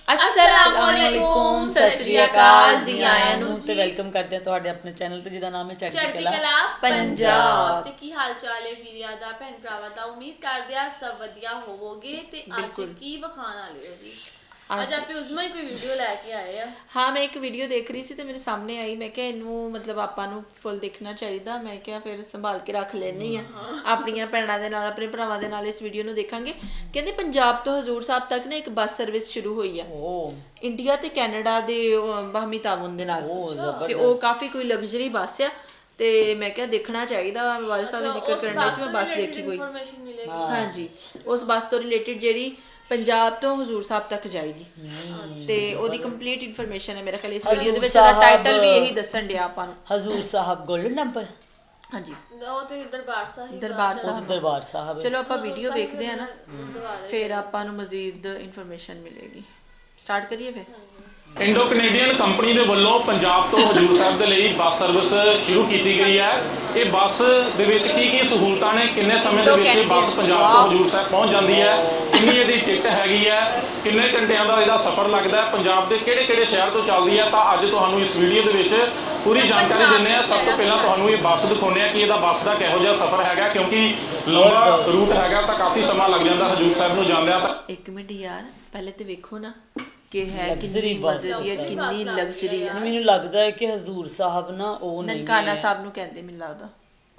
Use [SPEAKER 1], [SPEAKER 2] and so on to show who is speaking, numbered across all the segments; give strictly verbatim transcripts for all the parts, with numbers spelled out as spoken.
[SPEAKER 1] अस्सलामुअलैकुम, सत श्री अकाल, जी आया नू ते वेलकम करते हैं ਤੁਹਾਡੇ ਆਪਣੇ ਚੈਨਲ ਤੇ ਜਿਹਦਾ ਨਾਮ ਹੈ ਚੜ੍ਹਦੀ ਕਲਾ ਪੰਜਾਬ।
[SPEAKER 2] ਤੇ ਕੀ ਹਾਲ ਚਾਲ ਹੈ ਵੀਰਿਆ ਦਾ, ਭੈਣ ਭਰਾਵਾਂ ਦਾ? ਉਮੀਦ ਕਰਦੇ ਆ ਸਭ ਵਧੀਆ ਹੋਵੋਗੇ। ਤੇ ਅੱਜ ਕੀ ਵਿਖਾਣ ਵਾਲੇ ਹੋ ਜੀ? ਅੱਜ ਆਪੇ ਉਸਮਾ ਹੀ ਕੋਈ ਵੀਡੀਓ ਲੈ ਕੇ ਆਏ ਆ।
[SPEAKER 3] ਹਾਂ, ਮੈਂ ਇੱਕ ਵੀਡੀਓ ਦੇਖ ਰਹੀ ਸੀ ਤੇ ਮੇਰੇ ਸਾਹਮਣੇ ਆਈ। ਮੈਂ ਕਿਹਾ ਇਹਨੂੰ ਮਤਲਬ ਆਪਾਂ ਨੂੰ ਫੁੱਲ ਦੇਖਣਾ ਚਾਹੀਦਾ। ਮੈਂ ਕਿਹਾ ਫਿਰ ਸੰਭਾਲ ਕੇ ਰੱਖ ਲੈਣੀ ਆ, ਆਪਣੀਆਂ ਭੈਣਾਂ ਦੇ ਨਾਲ ਆਪਣੇ ਭਰਾਵਾਂ ਦੇ ਨਾਲ ਇਸ ਵੀਡੀਓ ਨੂੰ ਦੇਖਾਂਗੇ। ਕਹਿੰਦੇ ਪੰਜਾਬ ਤੋਂ ਹਜ਼ੂਰ ਸਾਹਿਬ ਤੱਕ ਨਾ ਇੱਕ ਬੱਸ ਸਰਵਿਸ ਸ਼ੁਰੂ ਹੋਈ ਆ ਇੰਡੀਆ ਤੇ ਕੈਨੇਡਾ ਦੇ ਬਾਹਮੀ ਤਾਵਨ ਦੇ ਨਾਲ, ਤੇ ਉਹ ਕਾਫੀ ਕੋਈ ਲਗਜ਼ਰੀ ਬੱਸ ਆ। ਤੇ ਮੈਂ ਕਿਹਾ ਦੇਖਣਾ ਚਾਹੀਦਾ। ਵਾਰਿਸ ਸਾਹਿਬ ਜ਼ਿਕਰ ਕਰਨ ਵਿੱਚ ਮੈਂ ਬੱਸ ਦੇਖੀ ਕੋਈ। ਹਾਂਜੀ, ਉਸ ਬੱਸ ਤੋਂ ਰਿਲੇਟਡ ਜਿਹੜੀ ਪੰਜਾਬ ਤੋਂ ਹਜ਼ੂਰ ਸਾਹਿਬ ਤੱਕ ਜਾਏਗੀ ਤੇ ਉਹਦੀ ਕੰਪਲੀਟ ਇਨਫੋਰਮੇਸ਼ਨ ਹੈ ਮੇਰੇ ਖਿਆਲ ਇਸ ਵੀਡੀਓ ਦੇ ਵਿੱਚ। ਉਹਦਾ ਟਾਈਟਲ ਵੀ ਇਹੀ ਦੱਸਣ ਡਿਆ ਆਪਾਂ ਨੂੰ,
[SPEAKER 1] ਹਜ਼ੂਰ ਸਾਹਿਬ ਗੋਲਡਨ ਟੈਂਪਲ।
[SPEAKER 3] ਹਾਂਜੀ,
[SPEAKER 2] ਉਹ ਤੇ ਦਰਬਾਰ ਸਾਹਿਬ
[SPEAKER 3] ਦਰਬਾਰ ਸਾਹਿਬ
[SPEAKER 1] ਦਰਬਾਰ ਸਾਹਿਬ।
[SPEAKER 3] ਚਲੋ ਆਪਾਂ ਵੀਡੀਓ ਵੇਖਦੇ ਆ ਨਾ, ਫਿਰ ਆਪਾਂ ਨੂੰ ਮਜ਼ੀਦ ਇਨਫੋਰਮੇਸ਼ਨ ਮਿਲੇਗੀ। ਸਟਾਰਟ ਕਰੀਏ ਫਿਰ।
[SPEAKER 4] ਇੰਡੋ ਕੈਨੇਡੀਅਨ ਕੰਪਨੀ ਦੇ ਵੱਲੋਂ ਪੰਜਾਬ ਤੋਂ ਹਜ਼ੂਰ ਸਾਹਿਬ ਦੇ ਲਈ ਬੱਸ ਸਰਵਿਸ ਸ਼ੁਰੂ ਕੀਤੀ ਗਈ ਹੈ। ਇਹ ਬੱਸ ਦੇ ਵਿੱਚ ਕੀ ਕੀ ਸਹੂਲਤਾਂ ਨੇ, ਕਿੰਨੇ ਸਮੇਂ ਦੇ ਵਿੱਚ ਬੱਸ ਪੰਜਾਬ ਤੋਂ ਹਜ਼ੂਰ ਸਾਹਿਬ ਪਹੁੰਚ ਜਾਂਦੀ ਹੈ, ਕਿੰਨੀ ਇਹਦੀ ਟਿਕਟ ਹੈਗੀ ਹੈ, ਕਿੰਨੇ ਘੰਟਿਆਂ ਦਾ ਇਹਦਾ ਸਫ਼ਰ ਲੱਗਦਾ ਹੈ, ਪੰਜਾਬ ਦੇ ਕਿਹੜੇ ਕਿਹੜੇ ਸ਼ਹਿਰ ਤੋਂ ਚੱਲਦੀ ਹੈ, ਤਾਂ ਅੱਜ ਤੁਹਾਨੂੰ ਇਸ ਵੀਡੀਓ ਦੇ ਵਿੱਚ ਪੂਰੀ ਜਾਣਕਾਰੀ ਦਿੰਦੇ ਆ। ਸਭ ਤੋਂ ਪਹਿਲਾਂ ਤੁਹਾਨੂੰ ਇਹ ਬੱਸ ਦਿਖਾਉਂਦੇ ਆ ਕਿ ਇਹਦਾ ਬੱਸ ਦਾ ਕਿਹੋ ਜਿਹਾ ਸਫ਼ਰ ਹੈਗਾ, ਕਿਉਂਕਿ ਲੰਬਾ ਰੂਟ ਹੈਗਾ ਤਾਂ ਕਾਫੀ ਸਮਾਂ ਲੱਗ ਜਾਂਦਾ ਹਜ਼ੂਰ ਸਾਹਿਬ ਨੂੰ ਜਾਂਦਿਆਂ। ਤਾਂ
[SPEAKER 3] ਇੱਕ ਮਿੰਟ ਯਾਰ, ਪਹਿਲੇ ਤੇ ਵੇਖੋ ਨਾ ਕਿ ਹੈ ਕਿੰਨੀ ਮਜ਼ੇ ਦੀ ਹੈ, ਕਿੰਨੀ ਲਗਜ਼ਰੀ ਹੈ।
[SPEAKER 1] ਮੈਨੂੰ ਲੱਗਦਾ ਹੈ ਕਿ ਹਜ਼ੂਰ ਸਾਹਿਬ ਨਾ ਉਹ ਨਹੀਂ,
[SPEAKER 3] ਨਨਕਾਣਾ ਸਾਹਿਬ ਨੂੰ ਕਹਿੰਦੇ ਮੈਨੂੰ ਲੱਗਦਾ।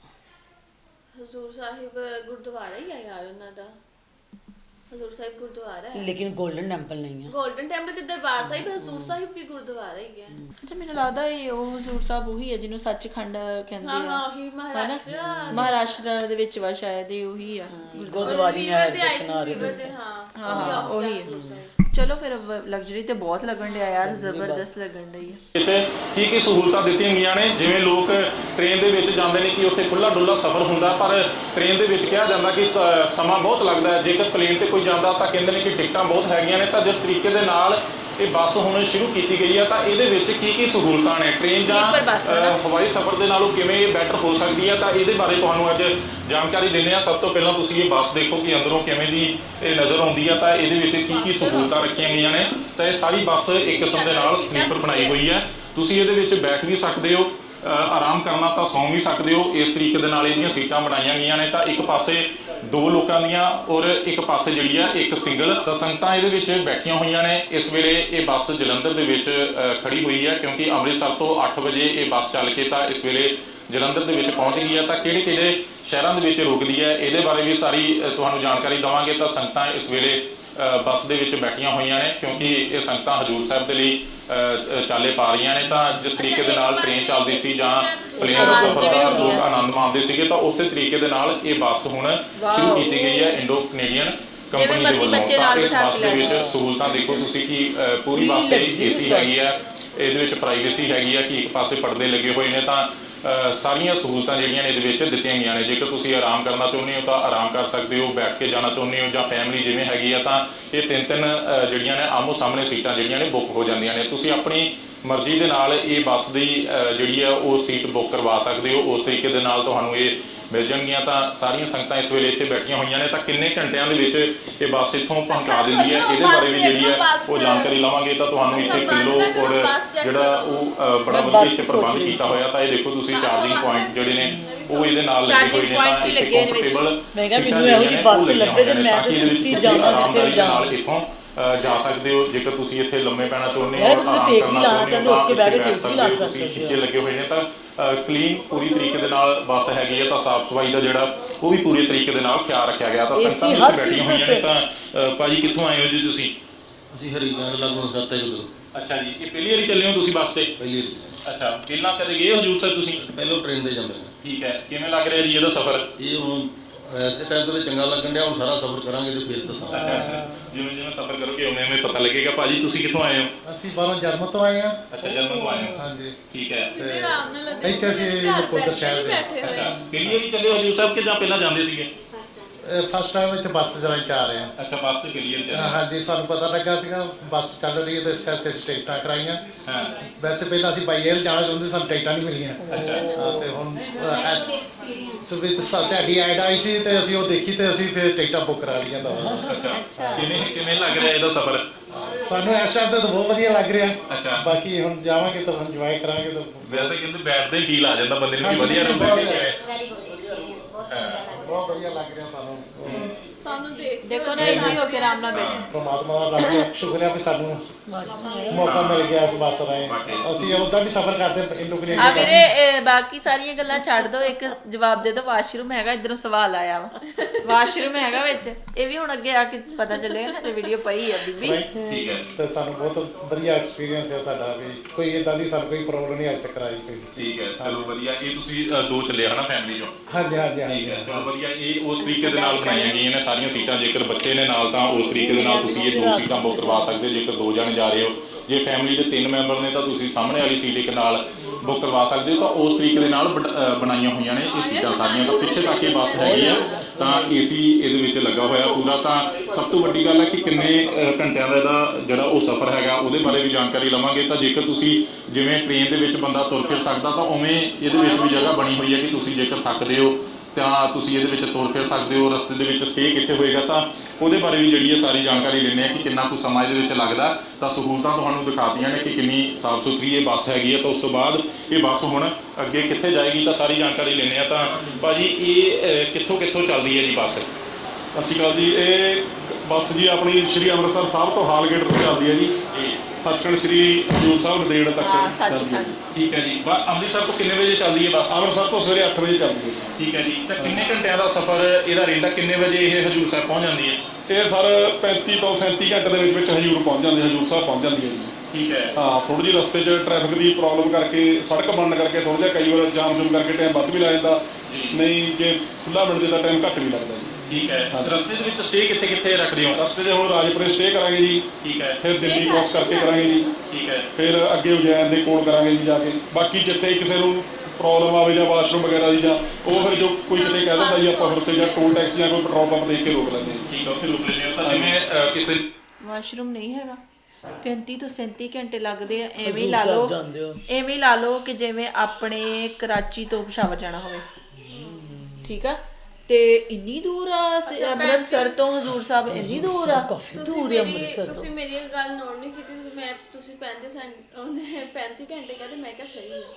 [SPEAKER 2] ਹਜ਼ੂਰ ਸਾਹਿਬ ਗੁਰਦੁਆਰਾ ਹੀ ਆ ਯਾਰ ਉਹਨਾਂ ਦਾ। ਹਜ਼ੂਰ ਸਾਹਿਬ ਗੁਰਦੁਆਰਾ ਹੈ,
[SPEAKER 1] ਲੇਕਿਨ ਗੋਲਡਨ ਟੈਂਪਲ ਨਹੀਂ ਹੈ।
[SPEAKER 2] ਗੋਲਡਨ ਟੈਂਪਲ ਤੇ ਦਰਬਾਰ ਸਾਹਿਬ, ਹਜ਼ੂਰ ਸਾਹਿਬ ਵੀ ਗੁਰਦੁਆਰਾ ਹੀ ਹੈ।
[SPEAKER 3] ਅੱਛਾ, ਮੈਨੂੰ ਲੱਗਦਾ ਇਹ ਉਹ ਹਜ਼ੂਰ ਸਾਹਿਬ ਉਹੀ ਹੈ ਜਿਹਨੂੰ ਸੱਚਖੰਡ ਕਹਿੰਦੇ
[SPEAKER 2] ਹਾਂ
[SPEAKER 3] ਆ।
[SPEAKER 2] ਹਾਂ, ਉਹੀ ਮਹਾਰਾਸ਼ਟਰ
[SPEAKER 3] ਮਹਾਰਾਸ਼ਟਰ ਦੇ ਵਿੱਚ ਵਾ ਸ਼ਾਇਦ ਇਹ ਉਹੀ ਆ,
[SPEAKER 1] ਗੁਰਦੁਆਰੀ ਨਹਿਰ ਦੇ ਕਿਨਾਰੇ ਤੇ।
[SPEAKER 2] ਹਾਂ
[SPEAKER 3] ਹਾਂ ਉਹੀ ਹੈ। ਚਲੋ ਫਿਰ ਲਗਜ਼ਰੀ ਤੇ ਬਹੁਤ ਲੱਗਣ ਡਿਆ ਯਾਰ, ਜ਼ਬਰਦਸਤ ਲੱਗਣ ਡਈ ਹੈ।
[SPEAKER 4] ਇੱਥੇ ਕੀ ਕੀ ਸਹੂਲਤਾਂ ਦਿੱਤੀਆਂ ਗਈਆਂ ਨੇ, ਜਿਵੇਂ ਲੋਕ ਟ੍ਰੇਨ ਦੇ ਵਿੱਚ ਜਾਂਦੇ ਨੇ ਕਿ ਉੱਥੇ ਖੁੱਲਾ ਡੁੱਲਾ ਸਫ਼ਰ ਹੁੰਦਾ, ਪਰ ਟ੍ਰੇਨ ਦੇ ਵਿੱਚ ਕਿਹਾ ਜਾਂਦਾ ਕਿ ਸਮਾਂ ਬਹੁਤ ਲੱਗਦਾ ਹੈ। ਜੇਕਰ ਪਲੇਨ ਤੇ ਕੋਈ ਜਾਂਦਾ ਤਾਂ ਕਹਿੰਦੇ ਨੇ ਕਿ ਟਿਕਟਾਂ ਬਹੁਤ ਹੈਗੀਆਂ ਨੇ। ਤਾਂ ਜਿਸ ਤਰੀਕੇ ਦੇ ਨਾਲ ਇਹ ਬੱਸ ਹੁਣ ਸ਼ੁਰੂ ਕੀਤੀ ਗਈ ਹੈ ਤਾਂ ਇਹਦੇ ਵਿੱਚ ਕੀ ਕੀ ਸਹੂਲਤਾਂ ਨੇ, ਟ੍ਰੇਨ ਜਾਂ ਹਵਾਈ ਸਫ਼ਰ ਦੇ ਨਾਲੋਂ ਕਿਵੇਂ ਇਹ ਬੈਟਰ ਹੋ ਸਕਦੀ ਹੈ, ਤਾਂ ਇਹਦੇ ਬਾਰੇ ਤੁਹਾਨੂੰ ਅੱਜ ਜਾਣਕਾਰੀ ਦਿੰਦੇ ਹਾਂ। ਸਭ ਤੋਂ ਪਹਿਲਾਂ ਤੁਸੀਂ ਇਹ ਬੱਸ ਦੇਖੋ ਕਿ ਅੰਦਰੋਂ ਕਿਵੇਂ ਦੀ ਇਹ ਨਜ਼ਰ ਆਉਂਦੀ ਹੈ। ਤਾਂ ਇਹਦੇ ਵਿੱਚ ਕੀ ਕੀ ਸਹੂਲਤਾਂ ਰੱਖੀਆਂ ਗਈਆਂ ਨੇ। ਤਾਂ ਇਹ ਸਾਰੀ ਬੱਸ ਇੱਕ ਕਿਸਮ ਦੇ ਨਾਲ ਸਲੀਪਰ ਬਣਾਈ ਹੋਈ ਹੈ। ਤੁਸੀਂ ਇਹਦੇ ਵਿੱਚ ਬੈਠ ਵੀ ਸਕਦੇ ਹੋ, ਆਰਾਮ ਕਰਨਾ ਤਾਂ ਸੌਂ ਵੀ ਸਕਦੇ ਹੋ। ਇਸ ਤਰੀਕੇ ਦੇ ਨਾਲ ਇਹਦੀਆਂ ਸੀਟਾਂ ਬਣਾਈਆਂ ਗਈਆਂ ਨੇ। ਤਾਂ ਇੱਕ ਪਾਸੇ ਦੋ ਲੋਕਾਂ ਦੀਆਂ ਔਰ ਇੱਕ ਪਾਸੇ ਜਿਹੜੀ ਆ ਇੱਕ ਸਿੰਗਲ। ਤਾਂ ਸੰਗਤਾਂ ਇਹਦੇ ਵਿੱਚ ਬੈਠੀਆਂ ਹੋਈਆਂ ਨੇ। ਇਸ ਵੇਲੇ ਇਹ ਬੱਸ ਜਲੰਧਰ ਦੇ ਵਿੱਚ ਖੜੀ ਹੋਈ ਹੈ, ਕਿਉਂਕਿ ਅੰਮ੍ਰਿਤਸਰ ਤੋਂ ਅੱਠ ਵਜੇ ਇਹ ਬੱਸ ਚੱਲ ਕੇ ਤਾਂ ਇਸ ਵੇਲੇ ਜਲੰਧਰ ਦੇ ਵਿੱਚ ਪਹੁੰਚ ਗਈ ਹੈ। ਤਾਂ ਕਿਹੜੇ ਕਿਹੜੇ ਸ਼ਹਿਰਾਂ ਦੇ ਵਿੱਚ ਰੁਕਦੀ ਹੈ ਇਹਦੇ ਬਾਰੇ ਵੀ ਸਾਰੀ ਤੁਹਾਨੂੰ ਜਾਣਕਾਰੀ ਦੇਵਾਂਗੇ। ਤਾਂ ਸੰਗਤਾਂ ਇਸ ਵੇਲੇ ਬੱਸ ਦੇ ਵਿੱਚ ਬੈਠੀਆਂ ਹੋਈਆਂ ਨੇ, ਕਿਉਂਕਿ ਇਹ ਸੰਗਤਾਂ ਹਜ਼ੂਰ ਸਾਹਿਬ ਦੇ ਲਈ ਚਾਲੇ ਪਾ ਰਹੀਆਂ ਨੇ। ਤਾਂ ਜਿਸ ਤਰੀਕੇ ਦੇ ਨਾਲ ਟ੍ਰੇਨ ਚੱਲਦੀ ਸੀ ਜਾਂ ਪਲੇਨ ਦਾ ਸਫ਼ਰ ਦਾ ਲੋਕ ਆਨੰਦ ਮਾਣਦੇ ਸੀਗੇ, ਤਾਂ ਉਸੇ ਤਰੀਕੇ ਦੇ ਨਾਲ ਇਹ ਬੱਸ ਹੁਣ ਸ਼ੁਰੂ ਕੀਤੀ ਗਈ ਹੈ ਇੰਡੋ ਕੈਨੇਡੀਅਨ ਕੰਪਨੀ ਦੇ ਵੱਲੋਂ। ਤਾਂ ਇਸ ਬੱਸ ਦੇ ਵਿੱਚ ਸਹੂਲਤਾਂ ਦੇਖੋ ਤੁਸੀਂ ਕਿ ਪੂਰੀ ਬੱਸ ਏਸੀ ਹੈਗੀ ਹੈ, ਇਹਦੇ ਵਿੱਚ ਪ੍ਰਾਈਵੇਸੀ ਹੈਗੀ ਹੈ ਕਿ ਇੱਕ ਪਾਸੇ ਪਰਦੇ ਲੱਗੇ ਹੋਏ ਨੇ। ਤਾਂ ਸਾਰੀਆਂ ਸਹੂਲਤਾਂ ਜਿਹੜੀਆਂ ਨੇ ਇਹਦੇ ਵਿੱਚ ਦਿੱਤੀਆਂ ਗਈਆਂ ਨੇ। ਜੇਕਰ ਤੁਸੀਂ ਆਰਾਮ ਕਰਨਾ ਚਾਹੁੰਦੇ ਹੋ ਤਾਂ ਆਰਾਮ ਕਰ ਸਕਦੇ ਹੋ, ਬੈਠ ਕੇ ਜਾਣਾ ਚਾਹੁੰਦੇ ਹੋ ਜਾਂ ਫੈਮਿਲੀ ਜਿਵੇਂ ਹੈਗੀ ਆ ਤਾਂ ਇਹ ਤਿੰਨ ਤਿੰਨ ਜਿਹੜੀਆਂ ਨੇ ਆਮੋ ਸਾਹਮਣੇ ਸੀਟਾਂ ਜਿਹੜੀਆਂ ਨੇ ਬੁੱਕ ਹੋ ਜਾਂਦੀਆਂ ਨੇ। ਤੁਸੀਂ ਆਪਣੀ ਮਰਜ਼ੀ ਦੇ ਨਾਲ ਇਹ ਬੱਸ ਦੀ ਜਿਹੜੀ ਆ ਉਹ ਸੀਟ ਬੁੱਕ ਕਰਵਾ ਸਕਦੇ ਹੋ, ਉਸ ਤਰੀਕੇ ਦੇ ਨਾਲ ਤੁਹਾਨੂੰ ਇਹ ਮਿਲ ਜਾਣਗੀਆਂ। ਤਾਂ ਸਾਰੀਆਂ ਸੰਗਤਾਂ ਇਸ ਵੇਲੇ ਇੱਥੇ ਬੈਠੀਆਂ ਹੋਈਆਂ ਨੇ। ਤਾਂ ਕਿੰਨੇ ਘੰਟਿਆਂ ਦੇ ਵਿੱਚ ਇਹ ਬੱਸ ਇੱਥੋਂ ਪਹੁੰਚਾ ਦਿੰਦੀ ਹੈ ਇਹਦੇ ਬਾਰੇ ਵੀ ਜਿਹੜੀ ਹੈ ਉਹ ਜਾਣਕਾਰੀ ਲਵਾਂਗੇ। ਤਾਂ ਤੁਹਾਨੂੰ ਇੱਥੇ ਕਿਲੋ ਔਰ ਜਿਹੜਾ ਉਹ ਬੜਾ ਵਧੀਆ ਇੱਥੇ ਪ੍ਰਬੰਧ ਕੀਤਾ ਹੋਇਆ। ਤਾਂ ਇਹ ਦੇਖੋ ਤੁਸੀਂ ਚਾਰਜਿੰਗ ਪੁਆਇੰਟ ਜਿਹੜੇ ਨੇ ਉਹ ਇਹਦੇ ਨਾਲ ਲੱਗੇ ਹੋਏ ਨੇ। ਤਾਂ ਇੱਥੇ ਕੰਫਰਟੇਬਲ
[SPEAKER 1] ਮੈਂ ਕਿਹਾ ਮੈਨੂੰ ਇਹੋ ਜਿਹੀ ਬੱਸ ਲੱਭੇ ਤੇ ਮੈਂ ਤਾਂ ਸੁੱਤੀ ਜਾਵਾਂ ਜਿੱਥੇ ਜਾਵਾਂ।
[SPEAKER 4] ਇੱਥੋਂ ਜਾ ਸਕਦੇ ਹੋ। ਜੇਕਰ ਤੁਸੀਂ ਇੱਥੇ ਲੰਮੇ ਪੈਣਾ ਚਾਹੁੰਦੇ ਹੋ,
[SPEAKER 1] ਆਰਾਮ ਕਰਨਾ ਚਾਹੁੰਦੇ ਹੋ, ਉੱਠ ਕੇ ਬੈਠ ਕੇ ਟੇਕ ਵੀ ਲਾ ਸਕਦੇ ਹੋ।
[SPEAKER 4] ਸ਼ੀਸ਼ੇ ਲੱਗੇ ਹੋਏ ਨੇ। ਤਾਂ ਕਲੀਨ ਪੂਰੀ ਤਰੀਕੇ ਦੇ ਨਾਲ ਬੱਸ ਹੈਗੀ ਹੈ। ਤਾਂ ਸਾਫ਼ ਸਫਾਈ ਦਾ ਜਿਹੜਾ ਉਹ ਵੀ ਪੂਰੇ ਤਰੀਕੇ ਦੇ ਨਾਲ ਖਿਆਲ ਰੱਖਿਆ ਗਿਆ। ਤਾਂ ਸੰਗਤਾਂ ਵਿੱਚ ਬੈਠੀਆਂ ਹੋਈਆਂ ਨੇ। ਤਾਂ ਭਾਜੀ ਕਿੱਥੋਂ ਆਏ ਹੋ ਜੀ ਤੁਸੀਂ?
[SPEAKER 5] ਅਸੀਂ ਹਰੀਗੰਜ ਲਾਗੋਂ ਕਰਤਾ ਜਦੋਂ।
[SPEAKER 4] ਅੱਛਾ ਜੀ, ਇਹ ਪਹਿਲੀ ਵਾਰੀ ਚੱਲੇ ਹੋ ਤੁਸੀਂ ਬੱਸ ਤੇ?
[SPEAKER 5] ਪਹਿਲੀ ਵਾਰੀ।
[SPEAKER 4] ਅੱਛਾ, ਪਹਿਲਾਂ ਕਦੇ ਗਏ ਹਜ਼ੂਰ ਸਾਹਿਬ ਤੁਸੀਂ?
[SPEAKER 5] ਪਹਿਲਾਂ ਟ੍ਰੇਨ ਤੇ ਜਾਂਦੇ ਨੇ।
[SPEAKER 4] ਠੀਕ ਹੈ, ਕਿਵੇਂ ਲੱਗ ਰਿਹਾ ਜੀ ਇਹਦਾ ਸਫ਼ਰ?
[SPEAKER 5] ਇਹ ਹੁਣ ਐਸੇ ਟਾਈਮ ਤੇ ਚੰਗਾ ਲੱਗਣ ਡਿਆ, ਹੁਣ ਸਾਰਾ ਸਫ਼ਰ ਕਰਾਂਗੇ ਤੇ ਫਿਰ ਦੱਸਾਂਗੇ।
[SPEAKER 4] ਅੱਛਾ, ਜਿਵੇਂ ਜਿਵੇਂ ਸਫ਼ਰ ਕਰੋਗੇ ਉਵੇਂ ਉਵੇਂ ਪਤਾ ਲੱਗੇਗਾ। ਭਾਜੀ ਤੁਸੀਂ ਕਿੱਥੋਂ ਆਏ ਹੋ?
[SPEAKER 6] ਅਸੀਂ ਬਾਹਰੋਂ ਜਰਮਨ ਤੋਂ ਆਏ ਹਾਂ।
[SPEAKER 4] ਅੱਛਾ, ਜਰਮਨ ਤੋਂ ਆਏ ਹੋ।
[SPEAKER 6] ਹਾਂਜੀ,
[SPEAKER 4] ਠੀਕ ਹੈ।
[SPEAKER 6] ਇੱਥੇ ਅਸੀਂ ਨਕੋਦਰ ਸ਼ਹਿਰ ਦੇ।
[SPEAKER 4] ਅੱਛਾ, ਪਹਿਲੀ ਵਾਰੀ ਚੱਲੇ ਹੋ ਹਜ਼ੂਰ ਸਾਹਿਬ ਕਿ ਜਾਂ ਪਹਿਲਾਂ ਜਾਂਦੇ ਸੀਗੇ?
[SPEAKER 6] ਫਸਟ ਟਾਈਮ ਇੱਥੇ ਬੱਸ ਚਲਾਈ ਚ ਆ ਰਹੇ ਹਾਂ।
[SPEAKER 4] ਅੱਛਾ, ਬੱਸ ਤੇ ਪਹਿਲੀ ਵਾਰੀ ਚੱਲੇ।
[SPEAKER 6] ਹਾਂਜੀ, ਸਾਨੂੰ ਪਤਾ ਲੱਗਾ ਸੀਗਾ ਬੱਸ ਚੱਲ ਰਹੀ ਹੈ ਤੇ ਇਸ ਕਰਕੇ ਅਸੀਂ ਟਿਕਟਾਂ ਕਰਾਈਆਂ।
[SPEAKER 4] ਹਾਂ,
[SPEAKER 6] ਵੈਸੇ ਪਹਿਲਾਂ ਅਸੀਂ ਬਾਈ ਏਅਰ ਜਾਣਾ ਚਾਹੁੰਦੇ, ਸਾਨੂੰ ਟਿਕਟਾਂ ਨਹੀਂ ਮਿਲੀਆਂ।
[SPEAKER 4] ਅੱਛਾ,
[SPEAKER 6] ਤੇ ਹੁਣ ਸੁਵਿਧ ਤੁਹਾਡੀ ਐਡ ਆਈ ਸੀ ਤੇ ਅਸੀਂ ਉਹ ਦੇਖੀ ਤੇ ਅਸੀਂ ਫਿਰ ਟਿਕਟਾਂ ਬੁੱਕ ਕਰਾ ਲਈਆਂ। ਤਾਂ
[SPEAKER 4] ਅੱਛਾ, ਕਿਵੇਂ ਕਿਵੇਂ ਲੱਗ ਰਿਹਾ ਇਹਦਾ ਸਫ਼ਰ?
[SPEAKER 6] ਸਾਨੂੰ ਇਸ ਟਾਈਮ ਤੇ ਤਾਂ ਬਹੁਤ ਵਧੀਆ ਲੱਗ ਰਿਹਾ
[SPEAKER 4] ਅੱਛਾ।
[SPEAKER 6] ਬਾਕੀ ਹੁਣ ਜਾਵਾਂਗੇ ਤਾਂ ਇੰਜੋਏ ਕਰਾਂਗੇ ਤਾਂ
[SPEAKER 4] ਵੈਸੇ ਕਹਿੰਦੇ ਬੈਠਦੇ ਹੀ ਫੀਲ ਆ ਜਾਂਦਾ ਬੰਦੇ ਨੂੰ ਕਿ ਵਧੀਆ
[SPEAKER 6] ਹਾਂਜੀ,
[SPEAKER 4] ਰੰਗ
[SPEAKER 6] ਵਧੀਆ।
[SPEAKER 7] ਵੈਰੀ ਗੁੱਡ ਐਕਸਪੀਰੀਅੰਸ ਬਹੁਤ ਵਧੀਆ ਲੱਗ
[SPEAKER 6] ਬਹੁਤ ਵਧੀਆ ਲੱਗ ਰਿਹਾ ਸਾਨੂੰ
[SPEAKER 2] ਸਾਨੂੰ ਦੇਖ ਕੇ
[SPEAKER 3] ਦੇਖੋ ਨਾ ਈਜ਼ੀ ਹੋ ਕੇ ਆਰਾਮ ਨਾਲ ਬੈਠੇ।
[SPEAKER 6] ਪਰਮਾਤਮਾ ਦਾ ਲੱਗ ਸ਼ੁਕਰ ਹੈ ਕਿ ਸਾਨੂੰ ਮੌਕਾ ਮਿਲ ਗਿਆ ਇਸ ਬੱਸ ਰਾਹੀਂ ਅਸੀਂ ਉਹਦਾ ਵੀ ਸਫ਼ਰ ਕਰਦੇ ਇੰਡੋ
[SPEAKER 3] ਆ
[SPEAKER 6] ਕੈਨੇਡਾ
[SPEAKER 3] ਵੀਰੇ ਇਹ ਬਾਕੀ ਸਾਰੀਆਂ ਗੱਲਾਂ ਛੱਡ ਦੋ, ਇੱਕ ਜਵਾਬ ਦੇ ਦੋ। ਵਾਸ਼ਰੂਮ ਹੈਗਾ, ਇਧਰੋਂ ਸਵਾਲ ਆਇਆ ਵਾ, ਵਾਸ਼ਰੂਮ ਹੈਗਾ ਵਿੱਚ? ਇਹ ਵੀ ਹੁਣ ਅੱਗੇ ਆ ਕੇ ਪਤਾ ਚੱਲੇਗਾ ਨਾ, ਜੇ ਵੀਡੀਓ ਪਈ ਆ ਬੀਬੀ।
[SPEAKER 4] ਠੀਕ ਹੈ
[SPEAKER 6] ਤੇ ਸਾਨੂੰ ਬਹੁਤ ਵਧੀਆ ਐਕਸਪੀਰੀਅੰਸ ਹੈ ਸਾਡਾ ਵੀ ਕੋਈ ਇਦਾਂ ਦੀ ਸਾਨੂੰ ਕੋਈ ਪ੍ਰੋਬਲਮ ਨਹੀਂ ਅੱਜ ਤੱਕ ਆਈ ਕੋਈ
[SPEAKER 4] ਠੀਕ ਹੈ ਚਲੋ ਵਧੀਆ। ਇਹ ਤੁਸੀਂ ਅ, ਦੋ ਚੱਲੇ ਹਨਾ ਫੈਮਿਲੀ ਚੋਂ?
[SPEAKER 6] ਹਾਂਜੀ ਹਾਂਜੀ ਹਾਂਜੀ
[SPEAKER 4] ਠੀਕ ਹੈ ਚਲੋ ਵਧੀਆ। ਇਹ ਉਸ ਤਰੀਕੇ ਦੇ ਨਾਲ ਬਣਾਈਆਂ ਗਈਆਂ ਨੇ ਸਾਰੀਆਂ ਸੀਟਾਂ। ਜੇਕਰ ਬੱਚੇ ਨੇ ਨਾਲ ਤਾਂ ਉਸ ਤਰੀਕੇ ਦੇ ਨਾਲ ਤੁਸੀਂ ਇਹ ਦੋ ਸੀਟਾਂ ਬੁੱਕ ਕਰਵਾ ਸਕਦੇ ਹੋ। ਜੇਕਰ ਦੋ ਜਣੇ ਜਾ ਰਹੇ ਹੋ, ਜੇ ਫੈਮਿਲੀ ਦੇ ਤਿੰਨ ਮੈਂਬਰ ਨੇ ਤਾਂ ਤੁਸੀਂ ਸਾਹਮਣੇ ਵਾਲੀ ਸੀਟ ਇੱਕ ਨਾਲ ਬੁੱਕ ਕਰਵਾ ਸਕਦੇ ਹੋ। ਤਾਂ ਉਸ ਤਰੀਕੇ ਦੇ ਨਾਲ ਬਣ- ਅ, ਬਣਾਈਆਂ ਹੋਈਆਂ ਨੇ ਇਹ ਸੀਟਾਂ ਸਾਰੀਆਂ। ਤਾਂ ਪਿੱਛੇ ਤੱਕ ਇਹ ਬੱਸ ਹੈਗੀ ਆ ਤਾਂ ਏਸੀ ਇਹਦੇ ਵਿੱਚ ਲੱਗਾ ਹੋਇਆ ਪੂਰਾ। ਤਾਂ ਸਭ ਤੋਂ ਵੱਡੀ ਗੱਲ ਹੈ ਕਿ ਕਿੰਨੇ ਅ, ਘੰਟਿਆਂ ਦਾ ਇਹਦਾ ਜਿਹੜਾ ਉਹ ਸਫ਼ਰ ਹੈਗਾ ਉਹਦੇ ਬਾਰੇ ਵੀ ਜਾਣਕਾਰੀ ਲਵਾਂਗੇ। ਤਾਂ ਜੇਕਰ ਤੁਸੀਂ ਜਿਵੇਂ ਟ੍ਰੇਨ ਦੇ ਵਿੱਚ ਬੰਦਾ ਤੁਰ ਫਿਰ ਸਕਦਾ ਤਾਂ ਉਵੇਂ ਇਹਦੇ ਵਿੱਚ ਵੀ ਜਗ੍ਹਾ ਬਣੀ ਹੋਈ ਹੈ ਕਿ ਤੁਸੀਂ ਜੇਕਰ ਥੱਕਦੇ ਹੋ ਤਾਂ ਤੁਸੀਂ ਇਹਦੇ ਵਿੱਚ ਤੁਰ ਫਿਰ ਸਕਦੇ ਹੋ। ਰਸਤੇ ਦੇ ਵਿੱਚ ਸਟੇ ਕਿੱਥੇ ਹੋਏਗਾ ਤਾਂ ਉਹਦੇ ਬਾਰੇ ਵੀ ਜਿਹੜੀ ਹੈ ਸਾਰੀ ਜਾਣਕਾਰੀ ਲੈਂਦੇ ਆ ਕਿ ਕਿੰਨਾ ਕੁ ਸਮਾਂ ਇਹਦੇ ਵਿੱਚ ਲੱਗਦਾ। ਤਾਂ ਸਹੂਲਤਾਂ ਤੁਹਾਨੂੰ ਦਿਖਾਤੀਆਂ ਨੇ ਕਿ ਕਿੰਨੀ ਸਾਫ਼ ਸੁਥਰੀ ਇਹ ਬੱਸ ਹੈਗੀ ਹੈ। ਤਾਂ ਉਸ ਤੋਂ ਬਾਅਦ ਇਹ ਬੱਸ ਹੁਣ ਅੱਗੇ ਕਿੱਥੇ ਜਾਏਗੀ ਤਾਂ ਸਾਰੀ ਜਾਣਕਾਰੀ ਲੈਂਦੇ ਆ। ਤਾਂ ਭਾਜੀ ਇਹ ਅ, ਕਿੱਥੋਂ ਕਿੱਥੋਂ ਚੱਲਦੀ ਹੈ ਜੀ ਬੱਸ?
[SPEAKER 8] ਸਤਿ ਸ਼੍ਰੀ ਅਕਾਲ ਜੀ। ਇਹ ਬੱਸ ਜੀ ਆਪਣੀ ਸ਼੍ਰੀ ਅੰਮ੍ਰਿਤਸਰ ਸਾਹਿਬ ਤੋਂ ਹਾਲਗੇਟ ਤੋਂ ਚੱਲਦੀ ਹੈ ਜੀ
[SPEAKER 4] ਜੀ
[SPEAKER 8] ਸੱਚਖੰਡ ਸ਼੍ਰੀ ਹਜ਼ੂਰ ਸਾਹਿਬ ਨੰਦੇੜ ਤੱਕ
[SPEAKER 3] ਹਾਂ,
[SPEAKER 8] ਚੱਲਦੀ ਹੈ।
[SPEAKER 3] ਸੱਚਖੰਡ।
[SPEAKER 4] ਠੀਕ ਹੈ ਜੀ। ਬ- ਅੰਮ੍ਰਿਤਸਰ ਤੋਂ ਕਿੰਨੇ ਵਜੇ ਚੱਲਦੀ ਹੈ ਬੱਸ?
[SPEAKER 8] ਅੰਮ੍ਰਿਤਸਰ ਤੋਂ ਸਵੇਰੇ ਅੱਠ ਵਜੇ ਚੱਲਦੀ ਹੈ
[SPEAKER 4] ਠੀਕ ਹੈ ਜੀ। ਤਾਂ ਕਿੰਨੇ ਘੰਟਿਆਂ ਦਾ ਸਫ਼ਰ ਇਹਦਾ ਰਹਿੰਦਾ? ਕਿੰਨੇ ਵਜੇ ਇਹ ਹਜੂਰ ਸਾਹਿਬ ਪਹੁੰਚ ਜਾਂਦੀ ਹੈ?
[SPEAKER 8] ਜੀ। ਇਹ ਸਰ ਪੈਂਤੀ ਤੋਂ ਸੈਂਤੀ ਘੰਟੇ ਦੇ ਵਿੱਚ ਵਿੱਚ ਹਜ਼ੂਰ ਪਹੁੰਚ ਜਾਂਦੀ ਹੈ, ਹਜ਼ੂਰ ਸਾਹਿਬ ਪਹੁੰਚ ਜਾਂਦੀ ਹੈ ਜੀ।
[SPEAKER 4] ਠੀਕ ਹੈ
[SPEAKER 8] ਹਾਂ ਥੋੜੀ ਜਿਹੀ ਰਸਤੇ 'ਚ ਟ੍ਰੈਫਿਕ ਦੀ ਪ੍ਰੋਬਲਮ ਕਰਕੇ ਸੜਕ ਬਣਨ ਕਰਕੇ ਥੋੜਾ ਜਿਹਾ ਕਈ ਵਾਰ ਜਾਮ ਜੂਮ ਕਰਕੇ ਟਾਈਮ ਵੱਧ ਵੀ ਲੱਗ ਜਾਂਦਾ
[SPEAKER 4] ਜੀ।
[SPEAKER 8] ਨਹੀਂ ਜੇ ਖੁੱਲ੍ਹਾ ਮਿਲ ਜੇ ਤਾਂ ਟਾਈਮ ਘੱਟ ਵੀ ਲੱਗਦਾ ਜੀ।
[SPEAKER 4] ਠੀਕ ਹੈ।
[SPEAKER 8] ਹਾਂਜੀ।
[SPEAKER 4] ਰਸਤੇ ਦੇ ਵਿੱਚ ਸਟੇ ਕਿੱਥੇ ਕਿੱਥੇ ਰੱਖਦੇ ਹੋ?
[SPEAKER 8] ਰਸਤੇ 'ਚ ਹੁਣ ਰਾਜਪੁਰੇ ਸਟੇ ਕਰਾਂਗੇ ਜੀ,
[SPEAKER 4] ਠੀਕ ਹੈ
[SPEAKER 8] ਫਿਰ ਦਿੱਲੀ ਕ੍ਰੋਸ ਕਰਕੇ ਕਰਾਂਗੇ ਜੀ,
[SPEAKER 4] ਠੀਕ ਹੈ
[SPEAKER 8] ਫਿਰ ਅੱਗੇ ਉਜੈਨ ਦੇ ਕੋਲ ਕਰਾਂਗੇ ਜੀ ਜਾ ਕੇ। ਬਾਕੀ ਜਿੱਥੇ ਕਿਸੇ ਨੂੰ ਪ੍ਰੋਬਲਮ ਆਵੇ ਜਾਂ ਵਾਸ਼ਰੂਮ ਵਗੈਰਾ ਦੀ ਜਾਂ ਉਹ ਫਿਰ ਜੋ ਕੋਈ ਕਿਤੇ ਕਹਿ ਦਿੰਦਾ ਜੀ ਆਪਾਂ ਫਿਰ ਉੱਥੇ ਜਾਂ ਟੋਲ ਟੈਕਸ ਜਾਂ ਕੋਈ ਪੈਟਰੋਲ ਪੰਪ ਦੇਖ ਕੇ ਰੋਕ ਲੈਂਦੇ ਹਾਂ ਜੀ।
[SPEAKER 4] ਠੀਕ ਹੈ ਉੱਥੇ ਰੁਕ ਲੈਂਦੇ ਹੋ। ਤਾਂ ਜਿਵੇਂ ਅ, ਕਿਸੇ
[SPEAKER 3] ਵਾਸ਼ਰੂਮ ਨਹੀਂ ਹੈਗਾ, ਪੈਂਤੀ ਤੋਂ ਸੈਂਤੀ ਘੰਟੇ ਲੱਗਦੇ ਆ। ਐਵੇਂ ਹੀ
[SPEAKER 1] ਹਜ਼ੂਰ
[SPEAKER 3] ਲਾ
[SPEAKER 1] ਸਾਹਿਬ
[SPEAKER 3] ਲਓ
[SPEAKER 1] ਜਾਂਦੇ ਹੋ।
[SPEAKER 3] ਐਵੇਂ ਹੀ ਲਾ ਲਓ ਕਿ ਜਿਵੇਂ ਆਪਣੇ ਕਰਾਚੀ ਤੋਂ ਪਸ਼ਾਵਰ ਜਾਣਾ ਹੋਵੇ, ਠੀਕ ਆ। ਤੇ ਇੰਨੀ ਦੂਰ ਆ ਸ- ਅੰਮ੍ਰਿਤਸਰ ਤੋਂ ਹਜ਼ੂਰ ਸਾਹਿਬ, ਇੰਨੀ ਦੂਰ ਆ।
[SPEAKER 1] ਕਾਫੀ
[SPEAKER 2] ਤੁਸੀਂ
[SPEAKER 1] ਦੂਰ ਹੈ
[SPEAKER 2] ਮੇਰੀ
[SPEAKER 1] ਅੰਮ੍ਰਿਤਸਰ ਤੋਂ।
[SPEAKER 2] ਤੁਸੀਂ ਮੇਰੀ ਇਹ ਗੱਲ ਨੋਟ ਨਹੀਂ ਕੀਤੀ। ਤੁਸੀਂ ਮੈਂ ਤੁਸੀਂ ਪੈਂਤੀ ਸੈਂਟ ਉਹਨੇ ਪੈਂਤੀ ਘੰਟੇ ਕਹਿੰਦੇ, ਮੈਂ ਕਿਹਾ ਸਹੀ ਹੈ।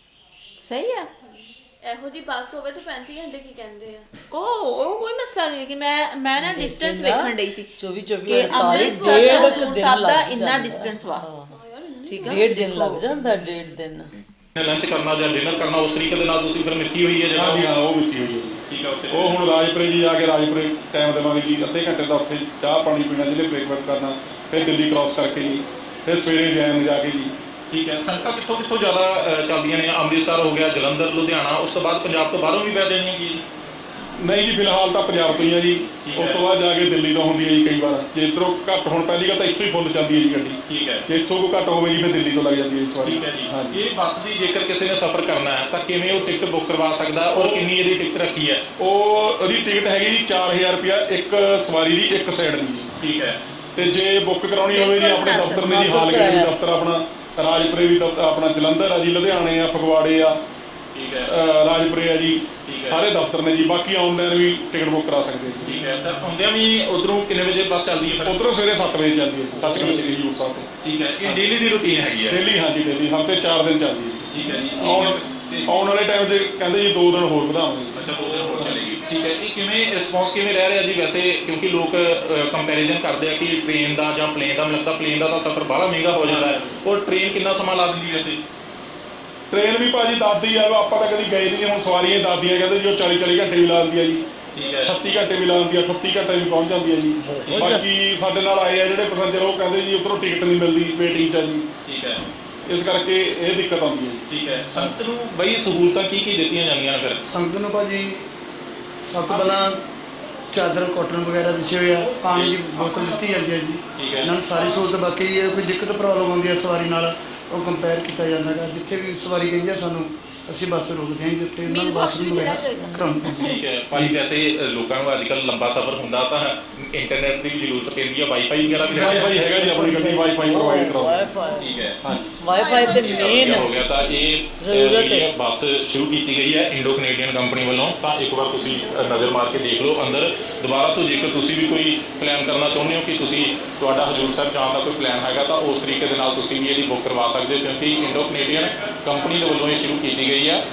[SPEAKER 3] ਸਹੀ ਆ।
[SPEAKER 2] ਇਹੋ ਜੀ ਬੱਸ ਹੋਵੇ ਤਾਂ ਪੈਂਤੀ ਘੰਟੇ ਕੀ ਕਹਿੰਦੇ ਆ?
[SPEAKER 3] ਉਹ ਉਹ ਕੋਈ ਮਸਲਾ ਨਹੀਂ ਕਿ ਮੈਂ ਮੈਂ ਨਾ ਡਿਸਟੈਂਸ ਵੇਖਣ ਡਈ ਸੀ
[SPEAKER 1] ਚੌਵੀ ਚੌਵੀ
[SPEAKER 3] ਕਿ
[SPEAKER 1] ਅੜਤਾਲੀ
[SPEAKER 3] ਅੰਮ੍ਰਿਤਸਰ
[SPEAKER 1] ਡੇਢ
[SPEAKER 3] ਤੋਂ
[SPEAKER 1] ਕੁ
[SPEAKER 3] ਹਜ਼ੂਰ
[SPEAKER 1] ਦਿਨ
[SPEAKER 3] ਸਾਹਿਬ ਦਾ
[SPEAKER 1] ਲੱਗ
[SPEAKER 3] ਇੰਨਾ
[SPEAKER 1] ਜਾਂਦਾ।
[SPEAKER 3] ਡਿਸਟੈਂਸ ਵਾ, ਠੀਕ ਆ।
[SPEAKER 1] ਡੇਢ ਦਿਨ ਲੱਗ ਜਾਂਦਾ, ਡੇਢ ਦਿਨ।
[SPEAKER 4] ਲੰਚ ਕਰਨਾ ਜਾਂ ਡਿਨਰ ਕਰਨਾ ਉਸ ਤਰੀਕੇ ਦੇ ਨਾਲ ਤੁਸੀਂ ਫਿਰ ਮਿੱਥੀ ਹੋਈ ਹੈ ਜਗ੍ਹਾ?
[SPEAKER 8] ਹਾਂਜੀ ਹਾਂ ਉਹ ਮਿੱਟੀ ਹੋਈ ਹੈ ਜੀ।
[SPEAKER 4] ਠੀਕ ਹੈ ਉੱਥੇ
[SPEAKER 8] ਉਹ ਹੁਣ ਰਾਜਪੁਰੇ ਜੀ ਜਾ ਕੇ ਰਾਜਪੁਰੇ ਟਾਈਮ ਦੇਵਾਂਗੇ ਜੀ, ਅੱਧੇ ਘੰਟੇ ਦਾ ਉੱਥੇ ਚਾਹ ਪਾਣੀ ਪੀਣਾ, ਜਿਹਨੇ ਬ੍ਰੇਕਫਾਸਟ ਕਰਨਾ, ਫਿਰ ਦਿੱਲੀ ਕ੍ਰਾਸ ਕਰਕੇ ਜੀ, ਫਿਰ ਸਵੇਰੇ ਜੈਨ ਜਾ ਕੇ ਜੀ।
[SPEAKER 4] ਠੀਕ ਹੈ। ਸੰਗਤਾਂ ਕਿੱਥੋਂ ਕਿੱਥੋਂ ਜ਼ਿਆਦਾ ਅ, ਚੱਲਦੀਆਂ ਨੇ? ਅੰਮ੍ਰਿਤਸਰ ਹੋ ਗਿਆ, ਜਲੰਧਰ, ਲੁਧਿਆਣਾ, ਉਸ ਤੋਂ ਬਾਅਦ ਪੰਜਾਬ ਤੋਂ ਬਾਹਰੋਂ ਵੀ ਪੈ ਜਾਣੀਆਂ ਕੀ?
[SPEAKER 8] ਨਹੀਂ ਜੀ ਫਿਲਹਾਲ ਤਾਂ ਪੰਜਾਬ ਤੋਂ ਹੀ ਆ ਜੀ,
[SPEAKER 4] ਠੀਕ ਹੈ।
[SPEAKER 8] ਉਸ ਤੋਂ ਬਾਅਦ ਜਾ ਕੇ ਦਿੱਲੀ ਤੋਂ ਹੁੰਦੀ ਹੈ ਜੀ ਕਈ ਵਾਰ। ਜੇ ਇੱਧਰੋਂ ਘੱਟ ਹੋਣ ਪਹਿਲੀ ਗੱਲ ਤਾਂ ਇੱਥੋਂ ਹੀ ਫੁੱਲ ਚੱਲਦੀ ਹੈ ਜੀ ਗੱਡੀ।
[SPEAKER 4] ਠੀਕ ਹੈ
[SPEAKER 8] ਜੇ ਇੱਥੋਂ ਕੋਈ ਘੱਟ ਹੋਵੇ ਜੀ ਫਿਰ ਦਿੱਲੀ ਤੋਂ ਲੱਗ ਜਾਂਦੀ ਹੈ ਇਸ ਵਾਰ।
[SPEAKER 4] ਠੀਕ ਹੈ ਜੀ।
[SPEAKER 8] ਹਾਂਜੀ।
[SPEAKER 4] ਇਹ ਬੱਸ ਦੀ ਜੇਕਰ ਕਿਸੇ ਨੇ ਸਫ਼ਰ ਕਰਨਾ ਹੈ ਤਾਂ ਕਿਵੇਂ ਉਹ ਟਿਕਟ ਬੁੱਕ ਕਰਵਾ ਸਕਦਾ ਔਰ ਕਿੰਨੀ ਇਹਦੀ ਟਿਕਟ ਰੱਖੀ ਹੈ?
[SPEAKER 8] ਉਹ ਉਹਦੀ ਟਿਕਟ ਹੈਗੀ ਜੀ ਚਾਰ ਹਜ਼ਾਰ ਰੁਪਇਆ ਇੱਕ ਸਵਾਰੀ ਦੀ, ਇੱਕ ਸਾਈਡ ਦੀ ਜੀ।
[SPEAKER 4] ਠੀਕ ਹੈ
[SPEAKER 8] ਤੇ ਜੇ ਬੁੱਕ ਕਰਾਉਣੀ ਹੋਵੇ ਜੀ ਆਪਣੇ
[SPEAKER 3] ਬਿਲਕੁਲ
[SPEAKER 8] ਦਫ਼ਤਰ ਨੇ ਜੀ,
[SPEAKER 1] ਮਾਫ਼
[SPEAKER 8] ਹਾਲਗੇਟ ਦੀ
[SPEAKER 1] ਕਰਾਇਆ।
[SPEAKER 8] ਦਫ਼ਤਰ ਆਪਣਾ, ਰਾਜਪੁਰੇ ਵੀ ਦਫ਼ਤਰ ਆਪਣਾ, ਜਲੰਧਰ ਆ ਜੀ, ਲੁਧਿਆਣੇ ਆ, ਫਗਵਾੜੇ ਆ,
[SPEAKER 4] ਠੀਕ ਹੈ
[SPEAKER 8] ਅ, ਰਾਜਪੁਰੇ ਆ ਜੀ,
[SPEAKER 4] ਠੀਕ ਹੈ।
[SPEAKER 8] ਸਾਰੇ ਦਫ਼ਤਰ ਨੇ ਜੀ। ਬਾਕੀ ਆਨਲਾਈਨ ਵੀ ਟਿਕਟ ਬੁੱਕ ਕਰਾ ਸਕਦੇ ਜੀ।
[SPEAKER 4] ਠੀਕ ਹੈ। ਤਾਂ ਆਉਂਦਿਆਂ ਵੀ ਉਧਰੋਂ ਕਿੰਨੇ ਵਜੇ ਬੱਸ ਚੱਲਦੀ ਹੈ ਫਿਰ?
[SPEAKER 8] ਉਧਰੋਂ ਸਵੇਰੇ ਸੱਤ ਵਜੇ ਚੱਲਦੀ ਹੈ ਸੱਚਖੰਡ ਸ਼੍ਰੀ ਹਜ਼ੂਰ ਸਾਹਿਬ ਤੋਂ।
[SPEAKER 4] ਠੀਕ ਹੈ। ਇਹ ਡੇਲੀ ਦੀ ਰੁਟੀਨ ਹੈਗੀ ਹੈ?
[SPEAKER 8] ਡੇਲੀ ਹਾਂਜੀ ਡੇਲੀ ਹਫ਼ਤੇ ਚਾਰ ਦਿਨ ਚੱਲਦੀ ਹੈ।
[SPEAKER 4] ਠੀਕ ਹੈ ਜੀ।
[SPEAKER 8] ਆਉਣ
[SPEAKER 4] ਤੇ-
[SPEAKER 8] ਆਉਣ ਵਾਲੇ ਟਾਈਮ 'ਚ ਕਹਿੰਦੇ ਜੀ ਦੋ ਦਿਨ ਹੋਰ ਵਧਾਵਾਂਗੇ।
[SPEAKER 4] ਅੱਛਾ ਦੋ ਦਿਨ ਹੋਰ ਚੱਲੇਗੀ। ਠੀਕ ਹੈ। ਇਹ ਕਿਵੇਂ ਰਿਸਪੌਂਸ ਕਿਵੇਂ ਰਹਿ ਰਿਹਾ ਜੀ ਵੈਸੇ? ਕਿਉਂਕਿ ਲੋਕ ਕੰਪੈਰੀਜ਼ਨ ਕਰਦੇ ਆ ਕਿ ਟ੍ਰੇਨ ਦਾ ਜਾਂ ਪਲੇਨ ਦਾ, ਮੈਨੂੰ ਲੱਗਦਾ ਪਲੇਨ ਦਾ ਤਾਂ ਸਫ਼ਰ ਬਾਹਲਾ ਮਹਿੰਗਾ ਹੋ ਜਾਂਦਾ ਹੈ ਔਰ ਟ੍ਰੇਨ ਕਿੰਨਾ ਸਮਾਂ ਲਾ ਦਿੰਦੀ ਵੈਸੇ?
[SPEAKER 8] ਟ੍ਰੇਨ ਵੀ ਭਾਜੀ ਦੱਸਦੀ ਆ, ਆਪਾਂ ਤਾਂ ਕਦੀ ਗਏ ਨਹੀਂ। ਹੁਣ ਸਵਾਰੀਆਂ ਹੀ ਦੱਸਦੀਆਂ, ਕਹਿੰਦੇ ਜੀ ਉਹ ਚਾਲੀ ਚਾਲੀ ਘੰਟੇ ਵੀ ਲਾ ਦਿੰਦੀ ਆ ਜੀ,
[SPEAKER 4] ਠੀਕ ਹੈ
[SPEAKER 8] ਛੱਤੀ ਘੰਟੇ ਵੀ ਲਾ ਦਿੰਦੀ ਆ, ਅਠੱਤੀ ਘੰਟੇ ਵੀ ਪਹੁੰਚ ਜਾਂਦੀ ਆ ਜੀ। ਬਾਕੀ ਸਾਡੇ ਨਾਲ ਆਏ ਆ ਜਿਹੜੇ ਪੈਸੇਂਜਰ, ਉਹ ਕਹਿੰਦੇ ਜੀ ਉੱਧਰੋਂ ਟਿਕਟ ਨਹੀਂ ਮਿਲਦੀ, ਵੇਟਿੰਗ 'ਚ ਆ ਜੀ,
[SPEAKER 4] ਠੀਕ ਹੈ
[SPEAKER 8] ਇਸ ਕਰਕੇ ਇਹ ਦਿੱਕਤ ਆਉਂਦੀ ਹੈ ਜੀ।
[SPEAKER 4] ਠੀਕ ਹੈ। ਸੰਗਤ ਨੂੰ ਬਈ ਸਹੂਲਤਾਂ ਕੀ ਕੀ ਦਿੱਤੀਆਂ ਜਾਂਦੀਆਂ ਨੇ ਫਿਰ?
[SPEAKER 9] ਸੰਗਤ ਨੂੰ ਭਾਜੀ ਸਭ ਤੋਂ ਪਹਿਲਾਂ ਚਾਦਰ ਕਾਟਨ ਵਗੈਰਾ ਵਿਛੇ ਹੋਏ ਆ, ਪਾਣੀ ਦੀ ਬੋਤਲ ਦਿੱਤੀ ਜਾਂਦੀ ਹੈ ਜੀ।
[SPEAKER 4] ਠੀਕ ਹੈ।
[SPEAKER 9] ਇਹਨਾਂ ਨੂੰ ਸਾਰੀ ਸਹੂਲਤ। ਬਾਕੀ ਇਹ ਕੋਈ ਦਿੱਕਤ ਪ੍ਰੋਬਲਮ ਆਉਂਦੀ ਹੈ ਸਵਾਰੀ ਨਾਲ, ਉਹ ਕੰਪੇਅਰ ਕੀਤਾ ਜਾਂਦਾ ਗਾ। ਜਿੱਥੇ ਵੀ ਸਵਾਰੀ ਕਹਿੰਦੀ ਆ ਸਾਨੂੰ ਅਸੀਂ ਬੱਸ ਰੋਕਦੇ ਹਾਂ ਜੀ ਉੱਥੇ ਉਹਨਾਂ ਨੂੰ ਵਾਸ਼ਰੂਮ ਵਗੈਰਾ ਕਰਾਉਣਾ।
[SPEAKER 4] ਠੀਕ ਹੈ ਭਾਜੀ, ਵੈਸੇ ਲੋਕਾਂ ਨੂੰ ਅੱਜ ਕੱਲ੍ਹ ਲੰਬਾ ਸਫ਼ਰ ਹੁੰਦਾ ਤਾਂ ਇੰਟਰਨੈਟ ਦੀ ਵੀ ਜ਼ਰੂਰਤ ਪੈਂਦੀ ਹੈ, ਵਾਈਫਾਈ ਵਗੈਰਾ ਵੀ
[SPEAKER 8] ਵਾਈਫਾਈ ਹੈਗਾ ਜੀ, ਆਪਣੀ ਗੱਡੀ ਵਾਈਫਾਈ ਪ੍ਰੋਵਾਈਡ ਕਰਾਉਂਦੇ।
[SPEAKER 1] ਵਾਈਫਾਈ
[SPEAKER 4] ਠੀਕ ਹੈ,
[SPEAKER 1] ਵਾਈਫਾਈ ਤੇ ਮੇਨ
[SPEAKER 4] ਹੋ ਗਿਆ। ਤਾਂ ਇਹ ਜਿਹੜੀ ਹੈ ਬੱਸ ਸ਼ੁਰੂ ਕੀਤੀ ਗਈ ਹੈ ਇੰਡੋ ਕੈਨੇਡੀਅਨ ਕੰਪਨੀ ਵੱਲੋਂ, ਤਾਂ ਇੱਕ ਵਾਰ ਤੁਸੀਂ ਨਜ਼ਰ ਮਾਰ ਕੇ ਦੇਖ ਲਓ ਅੰਦਰ। ਦੁਬਾਰਾ ਤੋਂ ਜੇਕਰ ਤੁਸੀਂ ਵੀ ਕੋਈ ਪਲਾਨ ਕਰਨਾ ਚਾਹੁੰਦੇ ਹੋ ਕਿ ਤੁਸੀਂ ਤੁਹਾਡਾ ਹਜ਼ੂਰ ਸਾਹਿਬ ਜਾਣ ਦਾ ਕੋਈ ਪਲਾਨ ਹੈਗਾ, ਤਾਂ ਉਸ ਤਰੀਕੇ ਦੇ ਨਾਲ ਤੁਸੀਂ ਵੀ ਇਹਦੀ ਬੁੱਕ ਕਰਵਾ ਸਕਦੇ ਹੋ, ਕਿਉਂਕਿ ਇੰਡੋ ਕੈਨੇਡੀਅਨ ਕੰਪਨੀ ਦੇ ਵੱਲੋਂ ਇਹ ਸ਼ੁਰੂ ਕੀਤੀ ਗਈ ਹੈ।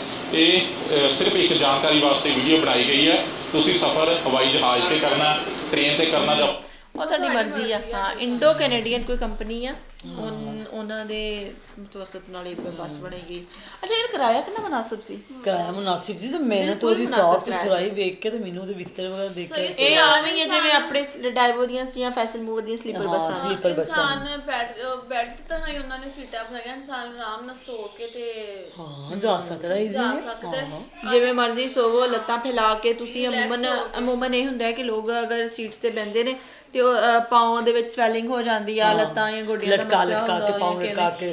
[SPEAKER 4] ਇਹ ਸਿਰਫ ਇੱਕ ਜਾਣਕਾਰੀ ਵਾਸਤੇ ਵੀਡੀਓ ਬਣਾਈ ਗਈ ਹੈ। ਤੁਸੀਂ ਸਫ਼ਰ ਹਵਾਈ ਜਹਾਜ਼ 'ਤੇ ਕਰਨਾ, ਟ੍ਰੇਨ 'ਤੇ ਕਰਨਾ ਜਾਂ
[SPEAKER 3] ਉਹ ਤੁਹਾਡੀ ਮਰਜ਼ੀ ਆ। ਹਾਂ, ਇੰਡੋ ਕੈਨੇਡੀਅਨ ਕੋਈ ਕੰਪਨੀ ਆ, ਉਹਨਾਂ ਦੇ ਮਤਵਸਤ ਨਾਲ ਇੱਕ ਬੱਸ ਬਣੇਗੀ। ਅੱਛਾ, ਇਹ ਕਿਰਾਇਆ ਕਿੰਨਾ ਮੁਨਾਸਿਬ ਸੀ?
[SPEAKER 1] ਕਿਰਾਇਆ ਮੁਨਾਸਿਬ ਸੀ ਤੇ ਮਿਹਨਤ ਉਹਦੀ ਸਾਫ ਸੁਥਰਾਈ ਵੇਖ ਕੇ ਤੇ ਮੈਨੂੰ ਉਹਦੇ ਬਿਸਤਰੇ ਵਗੈਰਾ ਦੇਖ ਕੇ
[SPEAKER 3] ਇਹ ਆ ਨਹੀਂ ਹੈ ਜਿਵੇਂ ਆਪਣੇ ਡਾਈਵੋ ਦੀਆਂ ਜਾਂ ਫੈਸਲ ਮੂਵਰ ਦੀਆਂ ਸਲੀਪਰ ਬੱਸਾਂ।
[SPEAKER 1] ਸਲੀਪਰ ਬੱਸਾਂ
[SPEAKER 2] ਇਨਸਾਨ ਬੈੱਡ ਬੈੱਡ ਤਾਂ ਨਹੀਂ ਉਹਨਾਂ ਨੇ ਸੀਟਾਂ ਬਣਾਈਆਂ, ਇਨਸਾਨ ਆਰਾਮ ਨਾਲ ਸੋ ਕੇ ਤੇ
[SPEAKER 1] ਹਾਂ ਜਾ ਸਕਦਾ ਹੈ,
[SPEAKER 2] ਜਾ ਸਕਦਾ ਹੈ।
[SPEAKER 3] ਜਿਵੇਂ ਮਰਜ਼ੀ ਸੋਵੋ, ਲੱਤਾਂ ਫੈਲਾ ਕੇ ਤੁਸੀਂ। ਅਮੂਮਨ ਅਮੂਮਨ ਇਹ ਹੁੰਦਾ ਹੈ ਕਿ ਲੋਕ ਅਗਰ ਸੀਟਸ ਤੇ ਬਹਿੰਦੇ ਨੇ ਤੇ ਉਹ ਪਾਉਂ ਦੇ ਵਿੱਚ ਸਵੈਲਿੰਗ ਹੋ ਜਾਂਦੀ ਆ, ਲੱਤਾਂ ਜਾਂ ਗੋਡਿਆਂ ਦਾ ਮਸਲਾ
[SPEAKER 1] ਲਟਕਾ ਕੇ ਪਾਉਂ ਲਟਕਾ ਕੇ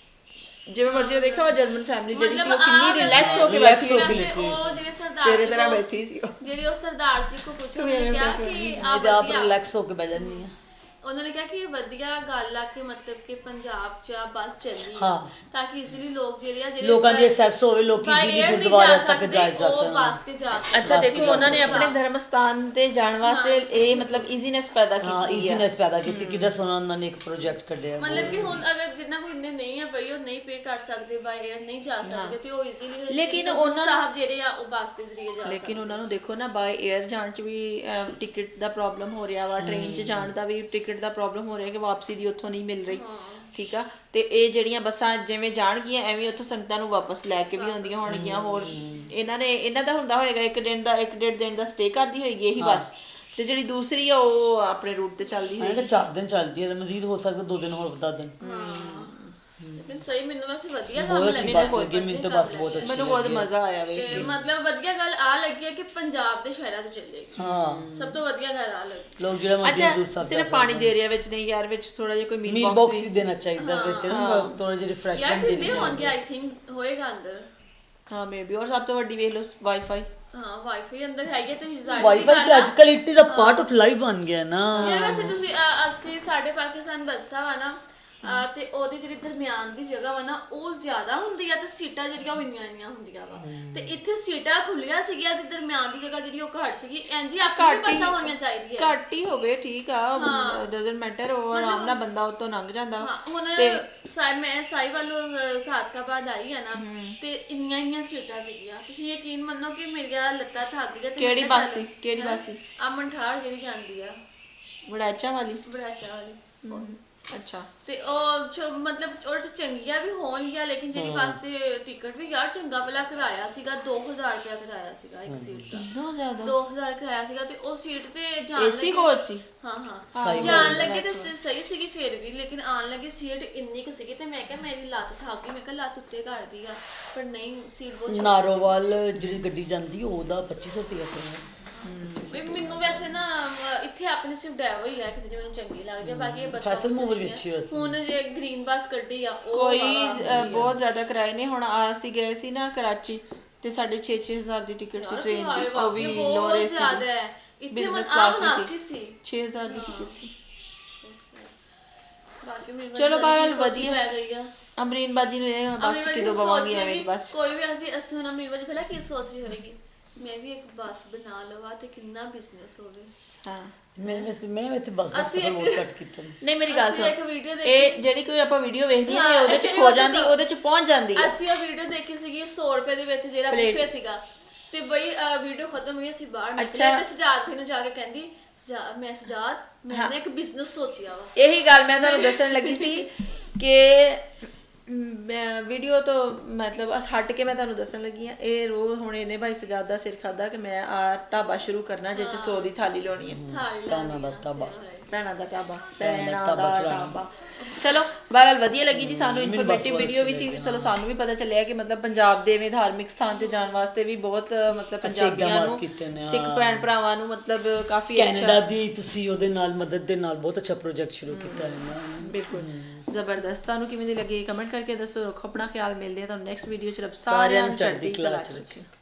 [SPEAKER 3] ਜਿਵੇਂ ਮਰਜ਼ੀ। ਦੇਖਿਆ ਉਹ ਜਰਮਨ ਫੈਮਿਲੀ ਜਿਹੜੀ ਸੀ ਉਹ ਕਿੰਨੀ ਰਿਲੈਕਸ ਹੋ ਕੇ
[SPEAKER 1] ਰਿਲੈਕਸ
[SPEAKER 3] ਬੈਠੀ
[SPEAKER 1] ਹੋ ਕੇ
[SPEAKER 3] ਸੀ,
[SPEAKER 1] ਲੈਤੀ
[SPEAKER 2] ਉਹ
[SPEAKER 1] ਸੀ,
[SPEAKER 2] ਜਿਹੜੇ ਸਰਦਾਰ
[SPEAKER 3] ਤੇਰੇ
[SPEAKER 2] ਜੀ
[SPEAKER 3] ਤਰ੍ਹਾਂ
[SPEAKER 2] ਕੋ-
[SPEAKER 3] ਬੈਠੀ ਸੀ ਉਹ।
[SPEAKER 2] ਜਿਹੜੀ ਉਹ ਸਰਦਾਰ ਜੀ ਕੋ ਪੁੱਛੋ, ਉਹਨੇ ਕਿਹਾ ਕਿ ਆ
[SPEAKER 1] ਇਹਦੇ ਆਪ
[SPEAKER 2] ਵਧੀਆ,
[SPEAKER 1] ਰਿਲੈਕਸ ਹੋ ਕੇ ਬਹਿ ਜਾਂਦੀ ਆ।
[SPEAKER 2] ਉਹਨਾਂ ਨੇ ਕਿਹਾ ਕਿ ਇਹ ਵਧੀਆ ਗੱਲ ਆ ਕਿ ਮਤਲਬ ਕਿ ਪੰਜਾਬ 'ਚ ਆ ਬੱਸ ਚੱਲੀ
[SPEAKER 1] ਹਾਂ।
[SPEAKER 2] ਤਾਂ ਕਿ ਇਜ਼ੀਲੀ ਲੋਕ ਜਿਹੜੇ ਆ ਜਿਹੜੇ
[SPEAKER 1] ਲੋਕਾਂ ਦੀ ਐਕਸੈਸ ਹੋਵੇ, ਲੋਕੀ
[SPEAKER 2] by
[SPEAKER 1] ਜਿਹਦੀ
[SPEAKER 2] air ਨਹੀਂ
[SPEAKER 1] ਗੁਰਦੁਆਰੇ
[SPEAKER 2] ਜਾ
[SPEAKER 1] ਤੱਕ
[SPEAKER 2] ਸਕਦੇ,
[SPEAKER 1] ਜਾ
[SPEAKER 2] ਉਹ
[SPEAKER 1] ਸਕਣ।
[SPEAKER 2] ਬੱਸ ਤੇ ਜਾ ਸਕਦੇ।
[SPEAKER 3] ਅੱਛਾ ਦੇਖੋ, ਉਹਨਾਂ ਨੇ ਆਪਣੇ ਧਰਮ ਸਥਾਨ ਤੇ ਜਾਣ ਵਾਸਤੇ ਇਹ ਮਤਲਬ ਈਜ਼ੀਨੈਸ ਪੈਦਾ
[SPEAKER 1] ਹਾਂ,
[SPEAKER 3] ਕੀਤੀ ਹੈ।
[SPEAKER 1] ਈਜ਼ੀਨੈਸ ਪੈਦਾ ਕੀਤੀ। ਕਿੱਡਾ ਸੋਹਣਾ ਉਹਨਾਂ ਨੇ ਇੱਕ ਪ੍ਰੋਜੈਕਟ ਕੱਢਿਆ।
[SPEAKER 2] ਮਤਲਬ ਕਿ ਹੁਣ ਅਗਰ ਜਿੰਨਾ ਕੋਈ ਇੰਨੇ ਨਹੀਂ ਹੈ ਬਈ ਉਹ ਨਹੀਂ ਪੇ ਕਰ ਸਕਦੇ, ਬਾਈ 에ਅਰ ਨਹੀਂ ਜਾ ਸਕਦੇ, ਤੇ ਉਹ ਈਜ਼ੀਲੀ
[SPEAKER 3] ਲੇਕਿਨ ਉਹਨਾਂ
[SPEAKER 2] ਸਾਹਿਬ ਜਿਹੜੇ ਆ ਉਹ ਬੱਸ ਦੇ ਜ਼ਰੀਏ ਜਾ ਸਕਦੇ।
[SPEAKER 3] ਲੇਕਿਨ ਉਹਨਾਂ ਨੂੰ ਦੇਖੋ ਨਾ, ਬਾਈ 에ਅਰ ਜਾਣ 'ਚ ਵੀ ਟਿਕਟ ਦਾ ਪ੍ਰੋਬਲਮ ਹੋ ਰਿਹਾ ਵਾ, ਟ੍ਰੇਨ 'ਚ ਜਾਣ ਦਾ ਵੀ ਟਿਕਟ ਦਾ ਪ੍ਰੋਬਲਮ ਹੋ ਰਿਹਾ ਕਿ ਵਾਪਸੀ ਦੀ ਉੱਥੋਂ ਨਹੀਂ ਮਿਲ ਰਹੀ। ਠੀਕ ਆ, ਤੇ ਇਹ ਜਿਹੜੀਆਂ ਬੱਸਾਂ ਜਿਵੇਂ ਜਾਣਗੀਆਂ ਐਵੇਂ ਉੱਥੋਂ ਸੰਗਤਾਂ ਨੂੰ ਵਾਪਸ ਲੈ ਕੇ ਵੀ ਆਉਂਦੀਆਂ ਹੋਣਗੀਆਂ। ਹੋਰ ਇਹਨਾਂ ਨੇ ਇਹਨਾਂ ਦਾ ਹੁੰਦਾ ਹੋਏਗਾ ਇੱਕ ਦਿਨ ਦਾ ਇੱਕ ਡੇਢ ਦਿਨ ਦਾ ਸਟੇ ਕਰਦੀ ਹੋਏਗੀ ਇਹੀ ਬੱਸ, ਤੇ ਜਿਹੜੀ ਦੂਸਰੀ ਆ ਉਹ ਆਪਣੇ ਰੂਟ ਤੇ ਚੱਲਦੀ ਹੋਏਗੀ।
[SPEAKER 1] ਤਾਂ ਚਾਰ ਦਿਨ ਚੱਲਦੀ ਹੈ ਤੇ ਮਜ਼ੀਦ ਹੋ ਸਕਦਾ ਦੋ ਦਿਨ ਹੋਰ ਵਧਾ ਦੇਣ।
[SPEAKER 2] ਲੇਕਿਨ ਸਹੀ ਮੈਨੂੰ ਵੈਸੇ ਵਧੀਆ ਗੱਲ
[SPEAKER 1] ਬਹੁਤ ਅੱਛੀ
[SPEAKER 2] ਲੱਗੀ।
[SPEAKER 1] ਬੱਸ ਲੱਗੀ ਮੈਨੂੰ ਤਾਂ, ਬੱਸ ਬਹੁਤ ਅੱਛੀ
[SPEAKER 3] ਮੈਨੂੰ ਬਹੁਤ ਮਜ਼ਾ ਆਇਆ ਵੇ।
[SPEAKER 2] ਤੇ ਮਤਲਬ ਵਧੀਆ ਗੱਲ ਆ ਲੱਗੀ ਹੈ ਕਿ ਪੰਜਾਬ ਦੇ ਸ਼ਹਿਰਾਂ 'ਚ ਚੱਲੇਗੀ।
[SPEAKER 1] ਹਾਂ,
[SPEAKER 2] ਸਭ ਤੋਂ ਵਧੀਆ ਗੱਲ ਆ ਲੱਗੀ।
[SPEAKER 1] ਲੋਕ ਜਿਹੜਾ ਮਰਜ਼ੀ ਹਜ਼ੂਰ
[SPEAKER 3] ਅੱਛਾ,
[SPEAKER 1] ਸਾਹਿਬ
[SPEAKER 3] ਸਿਰਫ ਪਾਣੀ ਦੇ ਏਰੀਆ ਵਿੱਚ ਨਹੀਂ ਯਾਰ, ਵਿੱਚ ਥੋੜਾ ਜਿਹਾ ਕੋਈ ਮੀਲ
[SPEAKER 1] ਮੀਲ
[SPEAKER 3] ਬਾਕਸ
[SPEAKER 1] ਬਾਕਸ ਹੀ ਦੇਣਾ ਚਾਹੀਦਾ ਵਿੱਚ, ਥੋੜਾ ਜਿਹਾ
[SPEAKER 2] ਯਾਰ
[SPEAKER 1] ਰਿਫਰੈਸ਼ਮੈਂਟ ਦੇਣੀ
[SPEAKER 2] ਕਿੰਨੇ ਹੋਣਗੇ,
[SPEAKER 1] ਚਾਹੀਦੀ।
[SPEAKER 2] ਆਈ ਥਿੰਕ ਹੋਏਗਾ ਅੰਦਰ।
[SPEAKER 3] ਹਾਂ ਮੇਬੀ। ਔਰ ਸਭ ਤੋਂ ਵੱਡੀ ਵੇਖ ਲਓ ਵਾਈਫਾਈ।
[SPEAKER 2] ਹਾਂ, ਵਾਈਫਾਈ ਅੰਦਰ ਹੈਗੇ ਤੇ ਜ਼ਾਹਿਰ
[SPEAKER 1] ਵਾਈਫਾਈ ਤੇ ਅੱਜਕੱਲ ਇਟ ਦਾ ਪਾਰਟ ਆਫ ਲਾਈਫ ਬਣ ਗਿਆ ਨਾ।
[SPEAKER 2] ਯਾਰ ਵੈਸੇ ਤੁਸੀਂ ਅ, ਅਸੀਂ ਸਾਡੇ ਪਾਕਿਸਤਾਨ ਬੱਸਾਂ ਵਾ ਨਾ, ਅ, ਤੇ ਉਹਦੀ ਜਿਹੜੀ ਦਰਮਿਆਨ ਦੀ ਜਗ੍ਹਾ ਵਾ ਨਾ ਉਹ ਜ਼ਿਆਦਾ ਹੁੰਦੀ ਆ ਤੇ ਸੀਟਾਂ ਜਿਹੜੀਆਂ ਉਹ ਇੰਨੀਆਂ ਇੰਨੀਆਂ ਹੁੰਦੀਆਂ ਵਾ, ਤੇ ਇੱਥੇ ਸੀਟਾਂ ਖੁੱਲੀਆਂ ਸੀਗੀਆਂ ਤੇ ਦਰਮਿਆਨ ਦੀ ਜਗ੍ਹਾ ਜਿਹੜੀ ਉਹ ਘੱਟ ਸੀਗੀ। ਇੰਜ ਹੀ ਆਪਣੀ ਬੱਸਾਂ ਹੋਣੀਆਂ ਚਾਹੀਦੀਆਂ।
[SPEAKER 3] ਘੱਟ ਹੀ ਹੋਵੇ, ਠੀਕ ਆ, ਡਸਨਟ ਮੈਟਰ, ਉਹ ਆਰਾਮ ਨਾਲ ਬੰਦਾ ਉੱਤੋਂ ਲੰਘ ਜਾਂਦਾ।
[SPEAKER 2] ਹਾਂ, ਹੁਣ ਸਾਈ ਮੈਂ ਸਾਈ ਵੱਲੋਂ ਸਾਦਕਾਬਾਦ ਆਈ ਆ ਨਾ, ਤੇ ਇੰਨੀਆਂ ਇੰਨੀਆਂ ਸੀਟਾਂ ਸੀਗੀਆਂ, ਤੁਸੀਂ ਯਕੀਨ ਮੰਨੋ ਕਿ ਮੇਰੀਆਂ ਲੱਤਾਂ ਥੱਕ ਗਈਆਂ।
[SPEAKER 3] ਕਿਹੜੀ ਬੱਸ ਸੀ? ਕਿਹੜੀ ਬੱਸ ਸੀ?
[SPEAKER 2] ਆ ਮੰਠਾੜ ਜਿਹੜੀ ਜਾਂਦੀ ਆ,
[SPEAKER 3] ਵੜਾਚਾ ਵਾਲੀ।
[SPEAKER 2] ਬੜਾਚਾ ਵਾਲੀ।
[SPEAKER 3] ਅੱਛਾ,
[SPEAKER 2] ਤੇ ਉਹ ਮਤਲਬ ਉਹਦੇ ਚ ਚੰਗੀਆਂ ਵੀ ਹੋਣਗੀਆਂ, ਲੇਕਿਨ ਜਿਹੜੀ ਬੱਸ ਤੇ ਟਿਕਟ ਵੀ ਯਾਰ ਚੰਗਾ ਭਲਾ ਕਿਰਾਇਆ ਸੀਗਾ, ਦੋ ਹਜ਼ਾਰ ਰੁਪਇਆ ਕਿਰਾਇਆ ਸੀਗਾ ਇੱਕ ਸੀਟ ਦਾ।
[SPEAKER 3] ਬਹੁਤ ਜ਼ਿਆਦਾ।
[SPEAKER 2] ਦੋ ਹਜ਼ਾਰ ਕਿਰਾਇਆ ਸੀਗਾ ਤੇ ਉਹ ਸੀਟ ਤੇ ਜਾਣ
[SPEAKER 3] ਏਸੀ ਕੋਚ ਸੀ।
[SPEAKER 2] ਹਾਂ ਹਾਂ, ਜਾਣ ਲੱਗੇ ਤੇ ਸਹੀ ਸੀਗੀ ਫਿਰ ਵੀ, ਲੇਕਿਨ ਆਣ ਲੱਗੇ ਸੀਟ ਇੰਨੀ ਕੁ ਸੀਗੀ ਤੇ ਮੈਂ ਕਿਹਾ ਮੇਰੀ ਲੱਤ ਥੱਕ ਗਈ, ਮੈਂ ਕਿਹਾ ਲੱਤ ਉੱਤੇ ਕਰਦੀ ਆ, ਪਰ ਨਹੀਂ ਸੀਟ ਬਹੁਤ ਛੋਟੀ।
[SPEAKER 1] ਨਾਰੋਵਾਲ ਜਿਹੜੀ ਗੱਡੀ ਜਾਂਦੀ ਉਹਦਾ ਪੱਚੀ ਸੌ ਰੁਪਇਆ ਕਿਰਾਇਆ।
[SPEAKER 2] ਮੈਨੂੰ ਵੈਸੇ ਨਾ ਇੱਥੇ ਆਪਣੀ ਸਿਰਫ ਡਰਾਈਵਰ ਹੀ ਹੈ ਕਿਸੇ ਦੀ ਮੈਨੂੰ ਚੰਗੀ ਲੱਗਦੀ ਹੈ, ਬਾਕੀ ਇਹ ਬੱਸਾਂ
[SPEAKER 1] ਫੈਸਲ ਮੂਵਰ ਵੀ ਅੱਛੀ ਵੈਸੇ।
[SPEAKER 2] ਹੁਣ ਜੇ ਗ੍ਰੀਨ ਬੱਸ ਕੱਢੀ ਆ ਉਹ
[SPEAKER 3] ਕੋਈ ਬਹੁਤ ਜ਼ਿਆਦਾ ਕਿਰਾਏ ਨੇ। ਹੁਣ ਅਸੀਂ ਗਏ ਸੀ ਨਾ ਕਰਾਚੀ ਤੇ ਸਾਡੇ ਛੇ ਛੇ ਹਜ਼ਾਰ ਦੀ ਟਿਕਟ ਸੀ ਟ੍ਰੇਨ ਦੀ, ਉਹ ਵੀ ਲੋਰੇ ਸੀ,
[SPEAKER 2] ਜ਼ਿਆਦਾ ਹੈ। ਇੱਥੇ
[SPEAKER 3] ਬਿਜ਼ਨਸ
[SPEAKER 2] ਮਨ
[SPEAKER 3] ਕਲਾਸ
[SPEAKER 2] ਮੁਨਾਸਿਬ
[SPEAKER 3] ਦੀ ਸੀ,
[SPEAKER 2] ਸੀ,
[SPEAKER 3] ਛੇ ਹਜ਼ਾਰ ਦੀ ਟਿਕਟ ਸੀ।
[SPEAKER 2] ਬਾਕੀ ਮੈਨੂੰ
[SPEAKER 3] ਚਲੋ ਬਾਹਰ
[SPEAKER 2] ਵਧੀਆ
[SPEAKER 3] ਵਧੀਆ
[SPEAKER 2] ਪੈ ਗਈ ਆ।
[SPEAKER 3] ਅਮਰੀਨ ਬਾਜੀ ਨੂੰ ਇਹ ਬਸ ਕਿਦੋਂ ਬਵਾਂਗੀ ਐਵੇਂ ਦੀ ਬਸ।
[SPEAKER 2] ਕੋਈ ਵੀ ਅਸੀਂ ਅਸੀਂ ਹੁਣ ਅਮਰੀਨ ਬਾਜੀ ਪਹਿਲਾਂ ਕੀ ਸੋਚ ਰਹੀ ਹੋਏਗੀ, ਮੈਂ ਵੀ ਇੱਕ ਬੱਸ ਬਣਾ ਲਵਾਂ ਤੇ ਕਿੰਨਾ ਬਿਜ਼ਨਸ ਹੋਵੇ।
[SPEAKER 3] ਹਾਂ,
[SPEAKER 1] ਮੈਂ ਵੈਸੇ ਮੈਂ ਵੈਸੇ ਬੱਸ ਦਾ ਸਫ਼ਰ ਬਹੁਤ ਘੱਟ ਕੀਤਾ।
[SPEAKER 3] ਨਹੀਂ ਮੇਰੀ ਗੱਲ
[SPEAKER 2] ਅਸੀਂ
[SPEAKER 3] ਸੁਣ,
[SPEAKER 2] ਇੱਕ ਵੀਡੀਓ
[SPEAKER 3] ਇਹ ਜਿਹੜੀ ਕੋਈ ਆਪਾਂ ਵੀਡੀਓ ਵੇਖਦੀ ਆ ਉਹਦੇ ਚ ਖੋ ਜਾਂਦੀ, ਉਹਦੇ ਚ ਪਹੁੰਚ ਜਾਂਦੀ ਹੈ।
[SPEAKER 2] ਅਸੀਂ ਉਹ ਵੀਡੀਓ ਦੇਖੀ ਸੀਗੀ ਸੌ ਰੁਪਏ ਦੇ ਵਿੱਚ ਜਿਹੜਾ ਬੁਫੇ ਸੀਗਾ, ਤੇ ਬਈ ਵੀਡੀਓ ਖਤਮ ਹੋਈ ਅਸੀਂ ਬਾਹਰ ਨਿਕਲੇ ਤੇ ਸਜਾਦ ਫਿਰ ਨੂੰ ਜਾ ਕੇ ਕਹਿੰਦੀ ਮੈਂ ਸਜਾਦ ਮੈਂ ਨਾ ਇੱਕ ਬਿਜ਼ਨਸ ਸੋਚਿਆ ਵਾ।
[SPEAKER 3] ਇਹੀ ਗੱਲ ਮੈਂ ਤੁਹਾਨੂੰ ਦੱਸਣ ਲੱਗੀ ਸੀ ਕਿ ਮੈਂ ਵੀਡੀਓ ਤੋਂ ਮਤਲਬ ਹਟ ਕੇ ਮੈਂ ਤੁਹਾਨੂੰ ਦੱਸਣ ਲੱਗੀ ਆ, ਇਹ ਰੋਜ਼ ਹੁਣ ਇਹਨੇ ਭਾਈ ਸਜਾਦ ਦਾ ਸਿਰ ਖਾਦਾ ਕਿ ਮੈਂ ਆ ਢਾਬਾ ਸ਼ੁਰੂ ਕਰਨਾ ਜਿਹ ਚ ਸੌ ਦੀ ਥਾਲੀ ਲਾਉਣੀ ਹੈ।
[SPEAKER 1] ਭੈਣਾਂ ਦਾ ਢਾਬਾ,
[SPEAKER 3] ਭੈਣਾਂ ਦਾ ਢਾਬਾ, ਭੈਣਾਂ ਦਾ ਢਾਬਾ। ਚਲੋ ਬਹਰਹਾਲ ਵਧੀਆ ਲੱਗੀ ਜੀ ਸਾਨੂੰ, ਇਨਫੋਰਮੇਟਿਵ ਵੀਡੀਓ ਵੀ ਸੀ। ਚਲੋ ਸਾਨੂੰ ਵੀ ਪਤਾ ਚੱਲਿਆ ਕਿ ਮਤਲਬ ਪੰਜਾਬ ਦੇ ਵਿੱਚ ਧਾਰਮਿਕ ਸਥਾਨ ਤੇ ਜਾਣ ਵਾਸਤੇ ਵੀ ਬਹੁਤ ਮਤਲਬ ਪੰਜਾਬੀਆਂ ਨੂੰ, ਸਿੱਖ ਭੈਣ ਭਰਾਵਾਂ ਨੂੰ ਮਤਲਬ ਕਾਫੀ ਅੱਛਾ।
[SPEAKER 1] ਕੈਨੇਡਾ ਦੀ ਤੁਸੀਂ ਉਹਦੇ ਨਾਲ ਮਦਦ ਦੇ ਨਾਲ ਬਹੁਤ ਅੱਛਾ ਪ੍ਰੋਜੈਕਟ ਸ਼ੁਰੂ ਕੀਤਾ ਹੈ ਨਾ।
[SPEAKER 3] ਬਿਲਕੁਲ। ਜ਼ਬਰਦਸਤ। ਤੁਹਾਨੂੰ ਕਿਵੇਂ ਦੀ ਲੱਗੀ ਕਮੈਂਟ ਕਰਕੇ ਦੱਸੋ। ਰੱਖੋ ਆਪਣਾ ਖਿਆਲ, ਮਿਲਦੇ ਆ ਤੁਹਾਨੂੰ ਨੈਕਸਟ ਵੀਡੀਓ 'ਚ। ਰੱਬ ਸਾਰਿਆਂ ਨੂੰ ਚੜ੍ਹਦੀ ਕਲਾ 'ਚ ਰੱਖੇ।